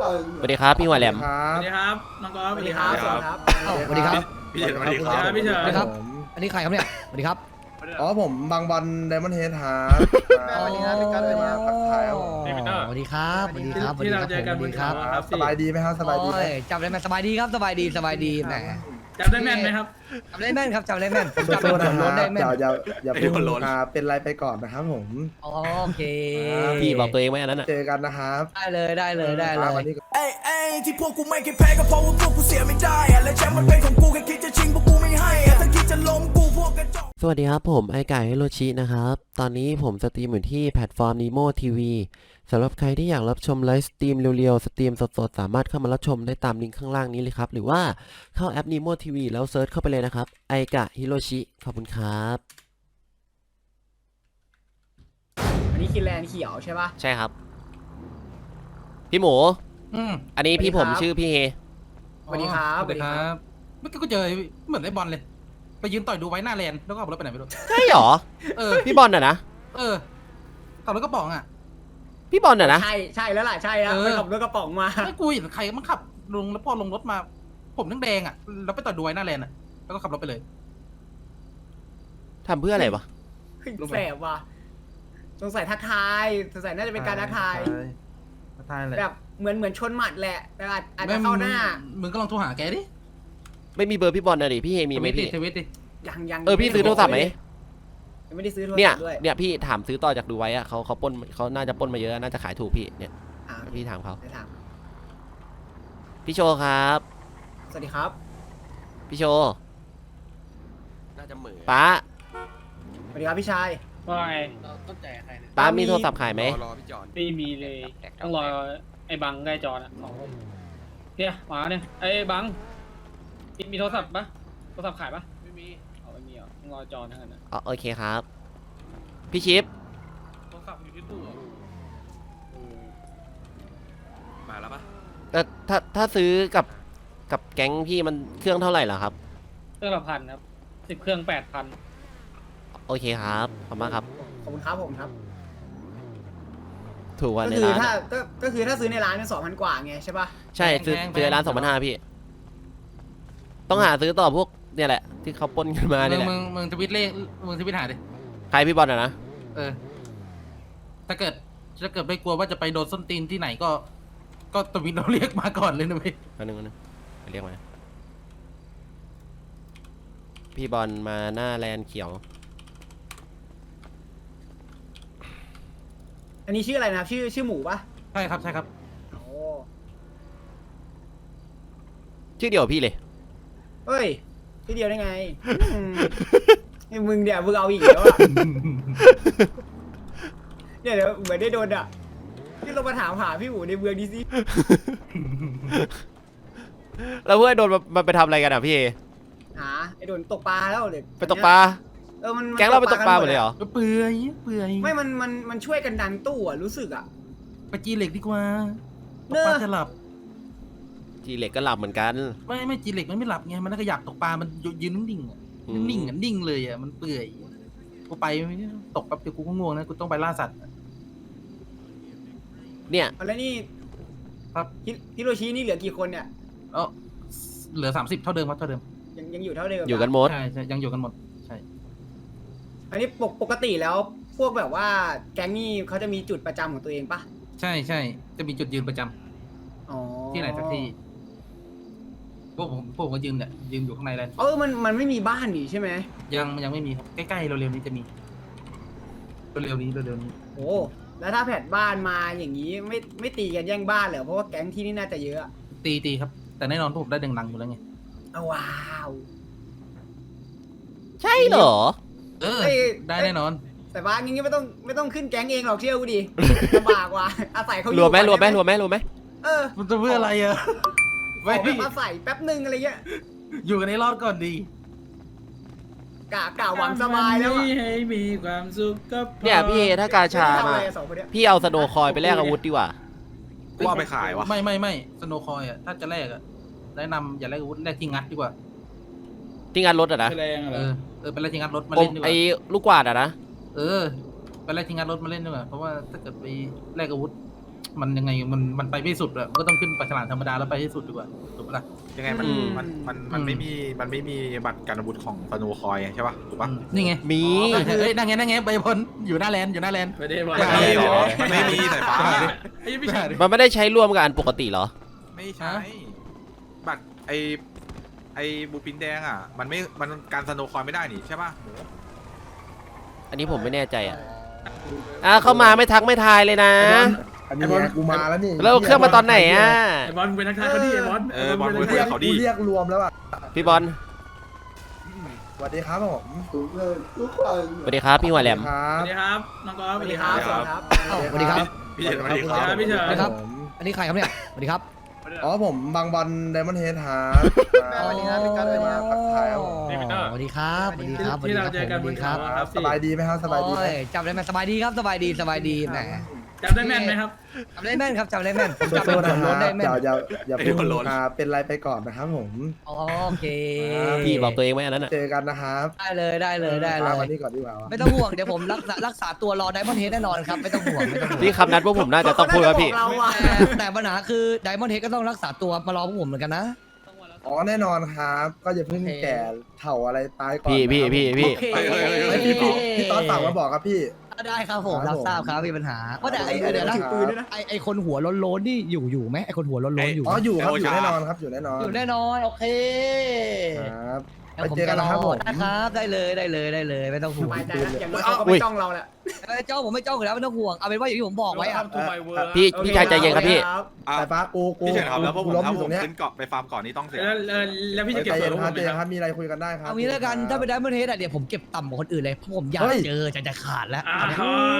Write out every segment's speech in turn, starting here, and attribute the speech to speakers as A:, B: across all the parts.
A: สวัสดีครับพี่หัวแหลม
B: สวัสดีครับน้องกอล์ฟ
C: สวัสดีครับ
D: สวัสดีครับ
B: พี่เฉินสวัสดีครับพี่เฉิน
D: สวัสดีครับ อันนี้ใครครับเนี่ยสวัสดีครับ
C: อ๋อผมบางบอลไดมอนด์เฮดฮาร์
D: สวัสดีครับพี่กัสเลยมาทักทายครับผมสวัสดีครับสวัสดีครับ
B: ที่เราเจอกันบนเขาครับ
C: สบายดีไหมครับสบายดีไหม
D: โอ้จำได้ไหมสบายดีครับสบายดีแหม
B: จำได้แม่นไหมครับ
D: จำได้แม่นครับจำได้แม่นผม
C: โซ
D: จำ
C: โซ
D: เป็น
C: นะ
D: คน
C: ค
D: ล้
C: รั
D: น
C: บ
D: ได้แม่น
C: อย่าเพิ่งเป็นไรไปก่อนนะครับผม
D: โอเค
A: พี่บอกตัวเองไหมอันนั้นอ่ะ
C: เจอกันนะครับ
D: ได้เลย
C: วันนี้
E: เอ้ยที่พวกกูไม่เคยแพ้ก็เพราะว่าพวกกูเสียไม่ได้อะและแชมป์มันเป็นของกูแค่คิดจะชิงพวกกูไม่ให้อะถ้าคิดจะล้มกูพวกกระจอก
A: สวัสดีครับผมไอไก่ฮิโรชินะครับตอนนี้ผมสตรีมอยู่ที่แพลตฟอร์ม Nemo TV สำหรับใครที่อยากรับชมไลฟ์สตรีมเร็วๆสตรีมสดๆสามารถเข้ามารับชมได้ตามลิงก์ข้างล่างนี้เลยครับหรือว่าเข้าแอป Nemo TV แล้วเซิร์ชเข้าไปเลยนะครับไอกะฮิโรชิขอบคุณครับ
C: อันนี้คินแลนด์เขียวใช่ป่ะ
A: ใช่ครับพี่หมู อันนี้พี่ผมชื่อพี่เฮ
C: สวัสดีครับ
F: สวัสดีครับเมื่อกี้ก็เจอเหมือนไอ้บอลเลยไปยืนต่อยดูไว้หน้าแลนด์แล้วก็ขับรถไปไหนไม่รู้
A: ใช่หรอ
F: เออ
A: พี่บอลน่ะนะ
F: เออขับรถกระป๋องอ่ะ
A: พี่บอลน่ะนะ
C: ใช่แล้วล่ะใช่แล้วไปขับรถกระป๋องมา
F: ไม่กูเห็นใครมันขับลงแล้วพอลงรถมา ผมแดงๆอ่ะแล้วไปต่อยดูไว้หน้าแลนด์อ่ะแล้วก็ขับรถไปเลย
A: ทำเพื่ออะไรวะ
C: แสบว่ะสงสัยทักทายสงสัยน่าจะเป็นการทักทาย
F: ทักทายเลย
C: แบบเหมือนชนหมัดแหละแต่อาจจะเข้าหน้า
F: มึงก็ลองโทรหาแกดิ
A: ไม่มีเบอร์พี่บอลนะดิพี่เฮมีไหมพี่
F: ทวิตดิ
C: ยัง
A: พี่ซื้อโทรศัพท์ไหม
C: ยังไม่ได้ซื้อโทรศัพ
A: เนี่ย
C: ท์ด้วย
A: เนี่ยพี่ถามซื้อต่อจากดูไว้อะเขาปล้นเขาน่าจะปล้นมาเยอะน่าจะขายถูกพี่เนี่ย
C: อ่า
A: พี่ถามเขา
C: เดี๋ยวถาม
A: พี่โชว์ครับ
C: สวัสดีครับ
A: พี่โชว์น่าจะเหมือป้า
C: สวัสดีครับพี่ชาย
B: ว่าไง
F: ต้นใจใครเนี่ย
A: ป้ามีโทรศัพท์ขายไหม
B: ไม่มีเลยต้องรอไอ้บังได้จอนะสองคนเนี่ยมาเนี่ยไอ้บังมีโทรศัพท์ปะโทรศัพท์ขายปะไม่มีไม่มีเหรอต้องรอจอนั่นนะ
A: อ๋อโอเคครับ พี่ชิป
B: โทรศัพท์อยู่ที่ตู้มาแล้วปะ
A: แต่ถ้าซื้อกับแก๊งพี่มันเครื่องเท่าไหร่ล่ะครับ
B: เครื่องละพันครับ10 เครื่อง 8,000
A: โอเคครับขอบคุณมากครับ
C: ขอบคุณครับผมครับ
A: ถูกกว่า
C: ก็
A: ใน
C: คือ
A: ร้าน
C: ถ้า
A: อะ
C: ก็คือถ้าซื้อในร้านเนี่ย2,000 กว่าไงใช่ป่ะ
A: ใช่ซื้อร้าน2,500พี่ต้องหาซื้อต่อพวกเนี่ยแหละที่เขาปล้นกันมาเนี่ยแหละ
F: มึงทวิตเลขมึงทวิตหาดิ
A: ใครพี่บอลอะนะ
F: เออถ้าเกิดไม่กลัวว่าจะไปโดนส้นตีนที่ไหนก็ทวิตเราเรียกมาก่อนเลยนะพี่
A: อันนึงไปเรียกมาพี่บอลมาหน้าแลนด์เขียว
C: อันนี้ชื่ออะไรนะครับชื่อหมูป่ะ
F: ใช่ครับ
C: โอ้
A: ชื่อเดียวกับพี่เลย
C: เฮ้ยที่เดียวได้ไงไอ้มึงเดี๋ยวมึงเอาอีกแล้วอ่ะเนี่ยเดี๋ยวเหมือนได้โดนอ่ะที่เรามาถามหาพี่หมูในเมืองดีสิ
A: แล้วเพื่อนโดนมาไปทำอะไรกันอ่ะพี่เอ
C: หาไอ้โดนตกปลาแล้วเดี๋ยว
A: ไปตกปลา
C: มัน
A: แก๊งเราไปตกปลาหมดเลยเหรอ
F: เปื่อย
C: ไม่มันช่วยกันดันตู้อ่ะรู้สึกอ่ะ
F: ไปจีเหล็กดีกว่าต
C: เน
F: ก
C: อะ
F: ปลาจะหลับ
A: จีเหล็กก็หลับเหมือนกัน
F: ไม่จีเหล็กมันไม่หลับไงมันก็อยากตกปลามันยืนนิ่งๆอ่ะ
A: อืม
F: นิ่งๆอ่ะนิ่งเลยอ่ะมันเปื่อยกูไปตกแป๊บเดียวกูก็ง่วงนะกูต้องไปล่าสัตว์
A: เนี่ย
C: แล้วนี่
F: ครับ
C: ฮิโรชินี่เหลือกี่คนเนี่ย
F: เออเหลือ30เท่าเดิมครับเท่าเดิม
C: ยังอยู่เท่าเดิม
A: อยู่กันหมด
F: ใช่ยังอยู่กันหมดใช่
C: อันนี้ปกติแล้วพวกแบบว่าแก๊งนี่เขาจะมีจุดประจำของตัวเองปะ
F: ใช่จะมีจุดยืนประจำ
C: อ๋อ
F: ที่ไหนสักที่พวกผมก็ยืนเนี่ยยืนอยู่ข้างในเลย
C: มันไม่มีบ้านนี่ใช่ไหม
F: ยังไม่มีครับใกล้ๆเร็วๆนี้จะมีเร็วๆนี้
C: โอ้แล้วถ้าแผดบ้านมาอย่างนี้ไม่ตีกันแย่งบ้านเหรอเพราะว่าแก๊งที่นี่น่าจะเยอะ
F: ตีครับ แต่แน่นอนพวกผมได้ดังๆอยู่แล้วไง
C: เอาว้าว
A: ใช่เหรอ
F: เออ
C: เอ้ย
F: ได้แน่นอน
C: แต่บ้านอย่างนี้ไม่ต้องขึ้นแก๊งเองหรอกเชื่อกูดิลำบากว่ะอาศัยเขาอยู่
A: รวมไหม
C: ก่อนด้หเออ
F: มันจะเพื่ออะไรอะ
C: ขอแบบมาใส่แป๊บนึงอะไรเงี้ย
F: อยู่กันในรอดก่อนดี
C: กะหวังสบายแล้วอะ
B: ให้มีความสุขก็พอ
A: เนี่ยพี่เอถ้ากาชา
C: ไม่ได้ทำ
A: มา
C: อะไรสองคนเนี้ย
A: พี่เอาสโนว์คอยไปแลกอาวุธดีกว่า
G: กูเอาไปขายวะ
F: ไม่สโนคอยอ่ะถ้าจะแลกอ่ะแนะนำอย่าแลกอาวุธแลกที่งัดดีกว่า
A: ที่งานรถอะนะ
B: แรงเหรอ
F: เป็นแลกที่งัดรถมา
A: โอ้
F: เล่นดีก
A: ไอ้
F: ว่า
A: ลูกกวาดอะนะ
F: เป็นแลกที่งัดรถมาเล่นดีกว่าเพราะว่าถ้าเกิดไปแลกอาวุธมันยังไงมันไปไม่สุดอะมันก็ต้องขึ้นปลาฉลามธรรมดาแล้วไปให้สุดดีกว่าถูกปะล่ะ
G: ยังไงมันไม่มีบัตรการอาวุธของสโนว์คอยใช่ป่ะถูกป่ะ
F: นี่ไง
A: มี
F: เอ้ยนั่งไงใบบนอยู่หน้าแลนด์
B: ไม่ได้บอล
G: มันมีเหรอมันไม่มีสายฟ้า
B: ไอ้พี่ชาย
A: มันไม่ได้ใช้ร่วมกับอันปกติเหรอ
G: ไม่ใช่บัตรไอบูปินแดงอ่ะมันการสโนว์คอยไม่ได้นี่ใช่ป่ะ
A: อันนี้ผมไม่แน่ใจเข้ามาไม่ทักไม่ทายเลยนะ
D: อันนี้กูมาแล้วนี่
A: แล้วเครื่องมาตอนไหนอ่ะ
B: ไอ้บอลเป็นนักทายเขาดิไอ้บอล
G: บอลคุยกับเขาดิ
D: กูเรียกรวมแล้วอ่ะ
A: พี่บอล
D: สวัสดีครับผม
A: สวัสดีครับพี่หัวแหลม
D: ครั
B: ส
D: บ
B: วัสดีครับน้องกอล์ฟ
C: สวัสดีครับสวัสดีครับ
D: สวัสดีครับ
G: พี่เฉินสวัสดีครับ
B: พี่เฉิน
D: ครับ
H: อันนี้ใครครับเนี่ย สวัสดีครับ
D: อ๋อผมบางบอลไดมอนด์เฮดฮาร์
C: สวัสดีครับพี่กัสสวัสดีครับ
D: ทักทายครับผม
H: สวัสดีครับ สวัสดีครับ
B: ที่เราเจอกัน
H: สวัสดีครับ
B: ครับ
D: สบายดีไหมครับสบายดีไหม
H: โอ้จำได้ไหมสบายดีครับ สบายดี สบายดีแหม
B: จำได้แม่นไหมครับ
H: จำได้แม่นครับจำได้แม่นผม
D: สู้
H: จำ
D: ๆ
H: เป็น
D: นะ
H: คน
D: ค
H: ร
D: รั
H: ถ
D: บ
H: ได้แม่น
D: อย่าเพิ่งเป็นไรไปก่อนนะครับผม
H: โอเค
A: พี่บอกตัวเองไหมอันนั้นอ่ะ
D: เจอกันนะครับ
H: ได้เลยได้เลยได้เล
D: มาวัน
H: ย
D: นี้ก่อนดีกว่า
H: ไม่ต้องห่วง เดี๋ยวผมรักษาตัวรอไดมอนด์เฮดแน่นอนครับ ไม่ต้องห่วงไม่ต้องห่วง
A: พี่คำนัดพวกผมน่าจะต้องพูดครับพี่
C: เราอะ
H: แต่ปัญหาคือไดมอนด์เฮดก็ต้องรักษาตัวมารอพวกผมเหมือนกันนะ
D: อ๋อแน่นอนครับ ก็อย่าเพิ่งแก่เถ่าอะไรตายก่อน
A: พี่
H: โอเค
D: พี่ตอนฝากมาบอกครับพี่
H: ได้ครับผม
D: ครับ
H: รับทราบครับมีปัญหาว่าแต่เดี๋ยวนะ
D: ถือปืนด้วยนะ
H: ไอคนหัวโล้นๆนี่อยู่ไหมไอคนหัวโล้นๆอยู่ไหม
D: อ๋ออยู่ครับอยู่แน่นอนครับอยู่แน่นอน
H: อยู่แน่นอนโอเค
D: ครับ
H: ดี๋ยว
D: ไปเจอกันนะครับผม
H: ได้ครับได้เลยไม่ต้องห่
C: ส
H: วง
C: บายใจนะอย่างน้อยเขาก็ไม่จ้องเราแหละ
H: เจ้าผมไม่เจ้าอยู่แล้วไม่ต้องห่วงเอาเป็นว่าอย่างที่ผมบอกไว้อะ
A: พี่ชายใจเย็นครับพี่
D: สายฟ้ากู
G: พี่เฉินครับแล้วพวกผม
D: ล้มอ
G: ถ้า
D: ยู่
G: ผ
D: ตร
G: ม
D: งเนี้ย
G: ขึ้นเกาะไปฟาร์มเกาะนี้ต้องเสีย
B: แล้วพี่จะเก็บ
D: ใจ
B: ส่
D: เย็
B: วน
D: น
B: ลด
D: ค
B: ผ
D: รับ
B: ม
D: ใจ
B: ไหม
D: เย็น
B: ค
D: ค
B: รั
D: รับ บมีอะไรคุยกันได้ครับ
H: เอางี้แล้วกันถ้าไปได้เมื่อเทสอะเดี๋ยวผมเก็บต่ำกว่าคนอื่นเลยเพราะผมอยาก
D: เฮ้ย
H: เจอจะขาดแล้ว
B: อ้า
H: อันเนี้ยว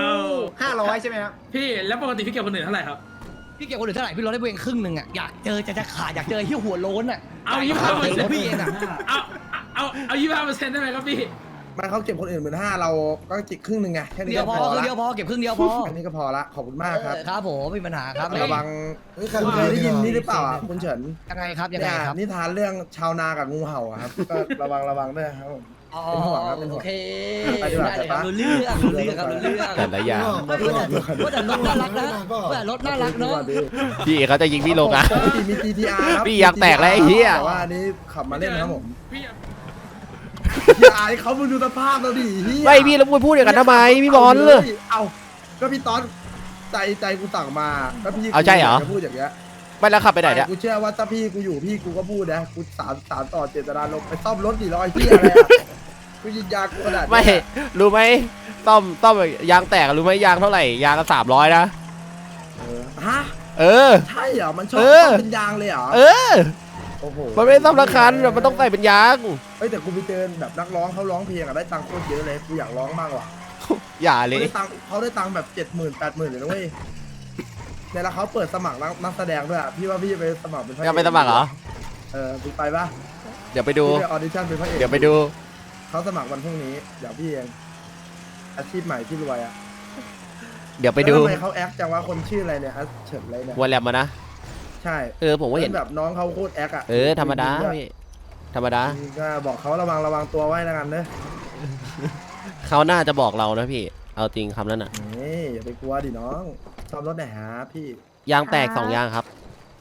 C: 500ใช่ไหมครับ
B: พี่แล้วปกติพี่เก็บคนอื่นเท่าไหร่ครับ
H: พี่เก็บคนอื่นเท่าไหร่พี่ลดได้เพียงครึ่งหนึ่งอะอยากเจอจะขาดอยากเจอที่หัวโล้นอะ
B: เอา
H: อยากเจอ
B: 25%
H: พี่เองอะ
B: เอา25%ได้ไหมครับพี่
D: มันเขาเก็บคนอื่น15,000เราก็จิกครึ่งหนึ่งไงแค่นี้
H: เดียว
D: ก็
H: พ
D: พ
H: อ
D: อ
H: คือ
D: ละ
H: เดียวพอเก็บครึ่งเดียวพอ
D: อันนี้ก็พอละขอบคุณมากครับ
H: ครับผมไม่มีปัญหาครับ
D: ระวังคุณเคยได้ยินนี่หรือเปล่าอ่ะคุณเฉิน
H: ยังไงครับยังไง
D: เนี่ย
H: ครับ
D: นิทานเรื่องชาวนากับงูเห่าอะครับก็ระวังด้วยครับผม
H: อ๋อ
D: เป็นห่วงครับเป็นห่วง
H: โอเค
D: ไปดีกว่า
H: ได้เลยครับ
D: ไปปะ
H: รู้เรื่องครับรู้เรื่อง
A: แต่ละอย่าง
H: ว่าแต่รถน่ารักนะว่าแต่รถน่ารักเนาะ
A: พี่เขาจะยิงพี่ลงอ่ะ
D: ปกติมี GTR ครับ
A: พี่อยากแตกแล้วไอ้เหี้ย
D: แต่ว่าอันนี้ขับมาเล่นครับผม
B: พี่
D: อย่าอายเขามึงดูสภาพเราดิเหี้ย
A: ไม่พี่แล้วพูดอย่างนั้นทำไมพี่บอล
D: เอาก็พี่ตอนใจกูสั่งมาก็พี่
A: เอาใช่เหรอ
D: จะพูดอย่างเงี้ย
A: ไม่แล้วขับไปไหนเนี่ย
D: กูเชื่อว่าถ้าพี่กูอยู่พี่กูก็พูดนะกูสารต่อเจตนาลงไปซ่อมรถ400เหี้ยอะไรอะกูยิงยากูขนาดนี้
A: ไม่รู้ไหมต้อมยางแตกรู้ไหมยางเท่าไหร่ยางก็300นะ
D: ฮะ
A: เออ
D: ใช่เหรอมันชอบ
A: เออ
D: ซ่อมเป็นยางเลยเหรอ
A: เออ
D: โอ้โห
A: มันไม่ได้ซ่อมละคันมันต้องใส่เป็นยาง
D: เฮ้ยแต่กูไปเจอแบบนักร้องเขาร้องเพลงอะได้ตังค์โคตรเยอะเลยกูอยากร้องบ้างว่ะ
A: อย่าเล
D: เขา
A: ย
D: ได้ตังค์แบบ70,000 80,000เลยนะเว้ยเนี่ยแล้วเขาเปิดสมัครนักแสดงด้วยอะพี่ว่าพี่จะไปสมัครเป็นพระเอก
A: จะไปสมัครเหรอ
D: พี่ไปปะ
A: เดี๋ยวไปดู
D: พี่ไปออดิชั่นเป็นพระเอก
A: เดี๋ยวไปดู
D: เขาสมัครวันพรุ่งนี้เดี๋ยวพี่เองอาชีพใหม่ที่รวยอะ
A: เดี๋ยวไปดู
D: แล้วทำไมเขาแอคจังว่าคนชื่ออะไรเนี่ยเฉินอะไรเนี่ย
A: หัวแหลมมานะ
D: ใช่
A: ผมก็เห็น
D: แบบน้องเขาโคตรแอคอะ
A: ธรรมดาพี่ธรรมดา
D: ก็บอกเขาระวังตัวไว้แล้วกันเนอะ
A: เขาน่าจะบอกเรานะพี่เอาจริงคำนั้นอ่ะ
D: นี่อย่าไปกลัวดิน้องซ่อมรถไหนอยฮะพี่
A: ยางแตก2ยางครับ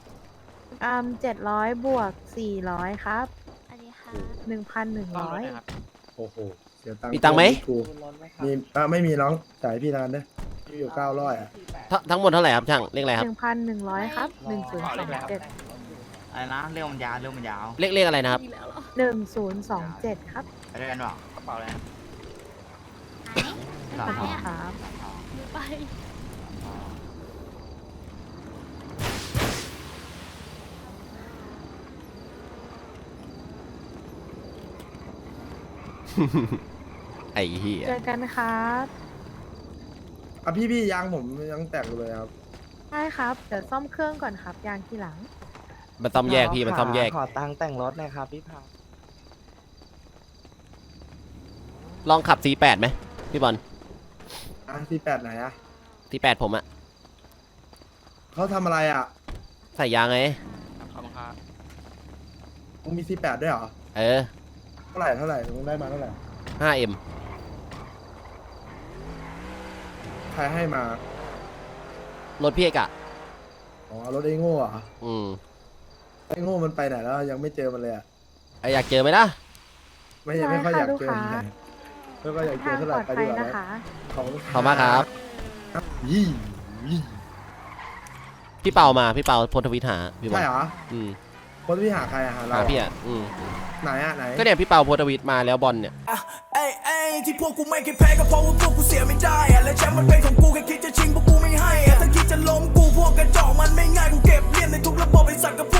I: 700 บวก 400 ครับ อันนี้ค่ะ 1,100
D: โอ้โหเสียตังค์
A: มีตังค์ไหม
D: กูมีไม่มีน้องจ่ายพี่นานเด้อพี่อยู่900อะ
A: ทั้งหมดเท่าไหร่ครับช่างเลขอะไรครับ
I: 1,100 ครับ 1027
J: อะไรนะเรื่องมันยาว
A: เลขอะไรนะครับ
I: 1027 ครับ
J: ไปด้วยกันหรอกระเป๋าอะไร
I: ขอบคุณครับ
A: ไอ้เหี้ย
I: เจอกันครับ
D: พี่ยางผมยังแตกอยู่เลยครับ
I: ใช่ครับ เดี๋ยวซ่อมเครื่องก่อนครับ ยางทีหลัง
A: มันซ่อมแยกพี่มันซ่อมแยก
J: ขอตังค์แต่งรถหน่อยครับพี่พา
A: ลองขับ C8 ไหมพี่บอล
D: C8 ไหนอะ
A: C8 ผมอะ
D: เขาทำอะไรอะ
A: ใส่ยางไง
J: ขอบคุณครับ
D: มึงมี C8 ด้วยเหรอ
A: เออ
D: เท่าไหร่มึงได้มาเท่าไหร่
A: 5M
D: ใครให้มา
A: รถพี่เอกอะ
D: อ๋อรถไอ้โง่อะ
A: อืม
D: ไอ้โง่มันไปไหนแล้วยังไม่เจอมันเลยอะ
A: ไออยากเจอไหมล่ะ
D: ไม่ค่อยอยากเจอ
I: ได้ค่ะ
D: ไม่ค่อยอยากเจอ
I: ทาง
D: เท่าไห
I: ป
D: ร่
I: ลอด
D: ไป
I: ภั
D: ดี
I: ย
D: กว่า
I: นะ
D: นะคะ ขอบคุณ
A: ขอบมากครับ
D: ยี่ยี่
A: พี่เปามาพี่เปาโพสต์ทวิตหาพี่บอ
D: ใช่
A: ล
D: เหรอ
A: อืม
D: คนที่หาใครอะหาเรา
A: หาพี่อ่ะ
D: ไหนอะไหน
A: ก็เนี่ยพี่เปาโพสต์ทวิตมาแล้วบอลเนี่ย
E: เอ้ยเอ้ยที่พวกกูไม่เคยแพ้ก็เพราะว่าพวกกูเสียไม่ได้อะและแชมป์มันเป็นของกูแค่คิดจะชิงพวกกูไม่ให้อะถ้าคิดจะล้มกูพวกกระจอกมันไม่ง่ายกูเก็บเลียนในทุกระบบไอ้สัตว์กับพวก